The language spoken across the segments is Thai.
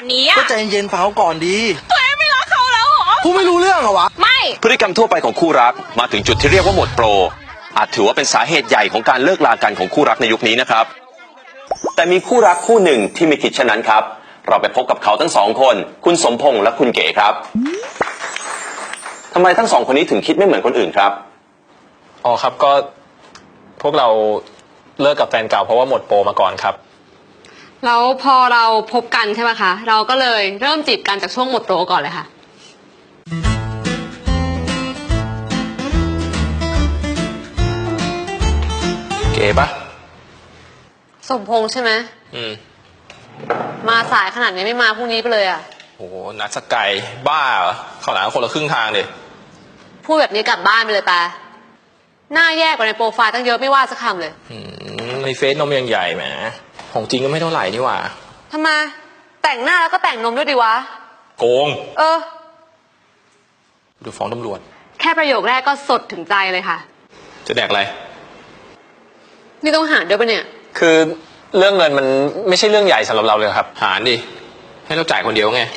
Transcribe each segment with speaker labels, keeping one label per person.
Speaker 1: แบบนี้อะ
Speaker 2: ก็ใจเย็นๆฟังเขาก่อนดี
Speaker 1: ตัวเองไม่รักเขาแล้วเหรอ
Speaker 2: พูดไม่รู้เรื่องเหรอวะ
Speaker 1: ไม่
Speaker 3: พฤติกรรมทั่วไปของคู่รักมาถึงจุดที่เรียกว่าหมดโปรอาจถือว่าเป็นสาเหตุใหญ่ของการเลิกลากันของคู่รักในยุคนี้นะครับแต่มีคู่รักคู่หนึ่งที่ไม่คิดเช่นนั้นครับเราไปพบกับเขาทั้งสองคนคุณสมพงษ์และคุณเก๋ครับทำไมทั้งสองคนนี้ถึงคิดไม่เหมือนคนอื่นครับ
Speaker 4: อ๋อครับก็พวกเราเลิกกับแฟนเก่าเพราะว่าหมดโปรมาก่อนครับ
Speaker 5: แล้วพอเราพบกันใช่ไหมคะเราก็เลยเริ่มจีบกันจากช่วงหมดโปรก่อนเลยค่ะ
Speaker 4: เก๋ปะ
Speaker 5: สมพงษ์ใช่ไหมมาสายขนาดนี้ไม่มาพรุ่งนี้ไปเลยอ่ะ
Speaker 4: โหนัดสกายบ้าเหรอเข้าหลังคนละครึ่งทางดิ
Speaker 5: พูดแบบนี้กลับบ้านไปเลยปะหน้าแย่กว่าในโปรไฟล์ตั้งเยอะไม่ว่าสักคำเลย
Speaker 4: ในเฟซนมยังใหญ่แหมของจริงก็ไม่เท่าไหร่นี่หว่า
Speaker 5: ทำไมแต่งหน้าแล้วก็แต่งนมด้วยดีวะ
Speaker 4: โกงดูฟ้องตำรวจ
Speaker 5: แค่ประโยคแรกก็สดถึงใจเลยค่ะ
Speaker 4: จะแดกอะไร
Speaker 5: นี่ต้องหารด้วยปะเนี่ย
Speaker 4: คือเรื่องเงินมันไม่ใช่เรื่องใหญ่สำหรับเราเลยครับหารดิให้เราจ่ายคนเดียวไง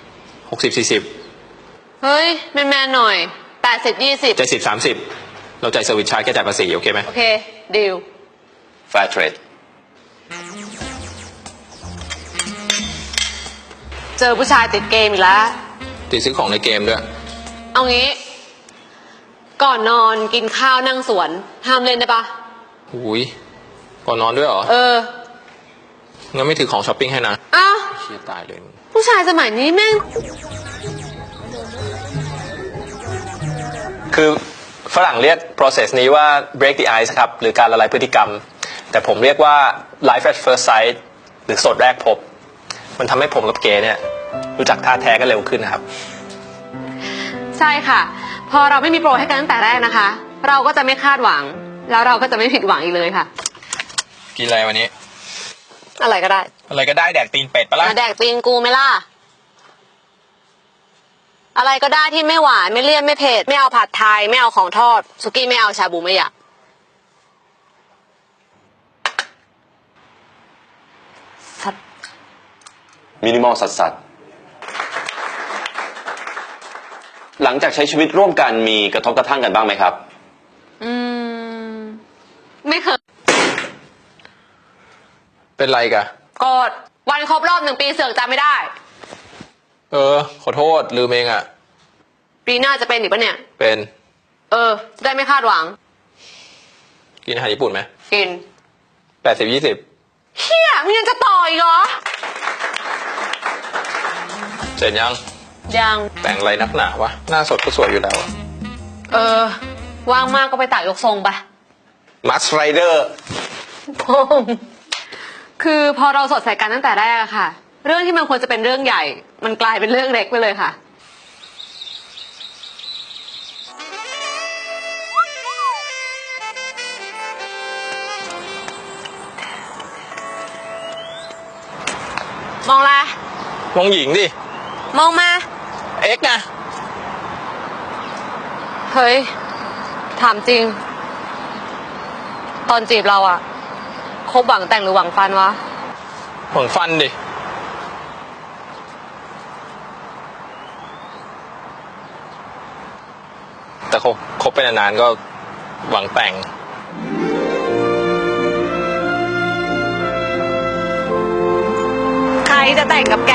Speaker 4: 60-40
Speaker 5: เฮ้ยแมนๆหน่อย80-20
Speaker 4: 70-30เราจ่ายเซอร์วิสชาร์จแค่จ่ายภาษีโอเคไหม
Speaker 5: โอเคดีล
Speaker 3: Fair trade
Speaker 5: เจอผู้ชายติดเกมอีกแล้ว
Speaker 4: ติดซื้อของในเกมด้วย
Speaker 5: เอางี้ก่อนนอนกินข้าวนั่งสวนห้ามเล่นได้ปะ
Speaker 4: หุยก่อนนอนด้วยเหรองั้นไม่ถือของช้อปปิ้งให้นะ
Speaker 5: อ้าว
Speaker 4: เชี่ยตายเลย
Speaker 5: ผู้ชายสมัยนี้แม่ง
Speaker 4: คือฝรั่งเรียก process นี้ว่า break the ice ครับหรือการละลายพฤติกรรมแต่ผมเรียกว่า life at first sight หรือสดแรกพบมันทำให้ผมกับเก๋เนี่ยรู้จักท่าแท้กันเร็วขึ้นนะครับ
Speaker 5: ใช่ค่ะพอเราไม่มีโปรให้กันตั้งแต่แรกนะคะเราก็จะไม่คาดหวังแล้วเราก็จะไม่ผิดหวังอีกเลยค่ะ
Speaker 4: กินอะไรวันนี้
Speaker 5: อะไรก็ได้
Speaker 4: อะไรก็ได้แดกตีนเป็ดปะล่ะ
Speaker 5: แดกตีนกูไหมล่ะอะไรก็ได้ที่ไม่หวานไม่เลี่ยนไม่เผ็ดไม่เอาผัดไทยไม่เอาของทอดสุกี้ไม่เอาชาบูไม่อยากสัตว์
Speaker 3: มินิมอลสัตว์หลังจากใช้ชีวิตร่วมกันมีกระทบกระทั่งกันบ้างไหมครับ
Speaker 5: ไม่เคย
Speaker 4: เป็นไรกะ
Speaker 5: โกรธวันครบรอบ1 ปีเสือกจำไม่ได้
Speaker 4: ขอโทษลืมเองอ่ะ
Speaker 5: ปีหน้าจะเป็นอีกปะเนี่ย
Speaker 4: เป็น
Speaker 5: ได้ไม่คาดหวัง
Speaker 4: กินอาหารญี่ปุ่นไหม
Speaker 5: กิน
Speaker 4: 80-20
Speaker 5: เฮียมึงยังจะต่ออีกเหรอ
Speaker 4: เสร็จยังแต่งอะไรนักหนาวะหน้าสดก็สวยอยู่แล้ว
Speaker 5: ว่างมากก็ไปตักยกทรงไป
Speaker 4: มัสไรเดอร์
Speaker 5: คือพอเราสดใสกันตั้งแต่แรกอะค่ะเรื่องที่มันควรจะเป็นเรื่องใหญ่มันกลายเป็นเรื่องเล็กไปเลยค่ะมองอะไร
Speaker 4: มองหญิงดิ
Speaker 5: มองมา
Speaker 4: เอ็กนะ
Speaker 5: เฮ้ยถามจริงตอนจีบเราอะคบหวังแต่งหรือหวังฟันวะ
Speaker 4: หวังฟันดิแต่คบไปนานๆก็หวังแต่ง
Speaker 5: ใครจะแต่งกับแก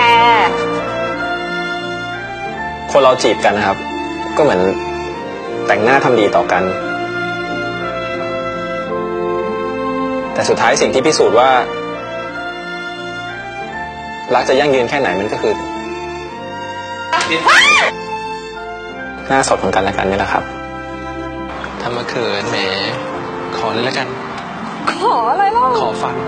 Speaker 4: คนเราจีบกันนะครับก็เหมือนแต่งหน้าทำดีต่อกันแต่สุดท้ายสิ่งที่พิสูจน์ว่ารักจะยั่งยืนแค่ไหนมันก็คือหน้าสดของกันและกันนี่แหละครับทำมาเขินแหมขอเลยแล้วกัน
Speaker 5: ขออะไรล่ะ
Speaker 4: ขอฟัน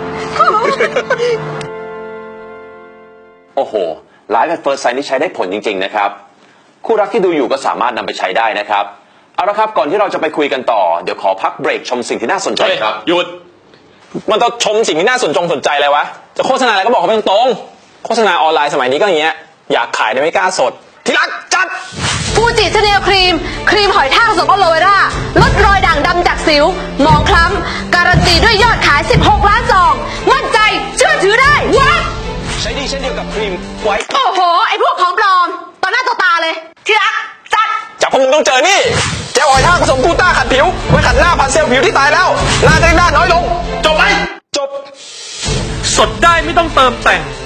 Speaker 3: โอ้โหLife at First Sightนี่ใช้ได้ผลจริงๆนะครับคู่รักที่ดูอยู่ก็สามารถนำไปใช้ได้นะครับเอาละครับก่อนที่เราจะไปคุยกันต่อเดี๋ยวขอพักเบรกชมสิ่งที่น่าสนใจครับ
Speaker 4: หยุดมันต้องชมสิ่งที่น่าสนใจอะไรวะจะโฆษณาอะไรก็บอกเขาไปตรงๆโฆษณาออนไลน์สมัยนี้ก็อย่างเงี้ยอยากขายแต่ไม่กล้าสดที่รักจัด
Speaker 5: ฟูจิชาแนลครีมหอยทากผสมอะโลเวราลดรอยด่างดำจากสิวหมองคล้ำการันตีด้วยยอดขาย16 ล้านซองมั่นใจเชื่อถือได้วะ
Speaker 3: ใช้ดีเช่นเดียวกับครีม
Speaker 4: ไว้
Speaker 5: โอ้โห ไอ้พวกของปลอมต่อหน้าต่อตาเลยที่รักจัด
Speaker 4: จากพวกมึงต้องเจอนี่เจลออยล์ท่าผสมกูต้าขัดผิวไว้ขัดหน้าพันเซลล์ผิวที่ตายแล้วหน้าจะได้หน้าน้อยลงจบไหมจบ
Speaker 1: สดได้ไม่ต้องเติมแต่ง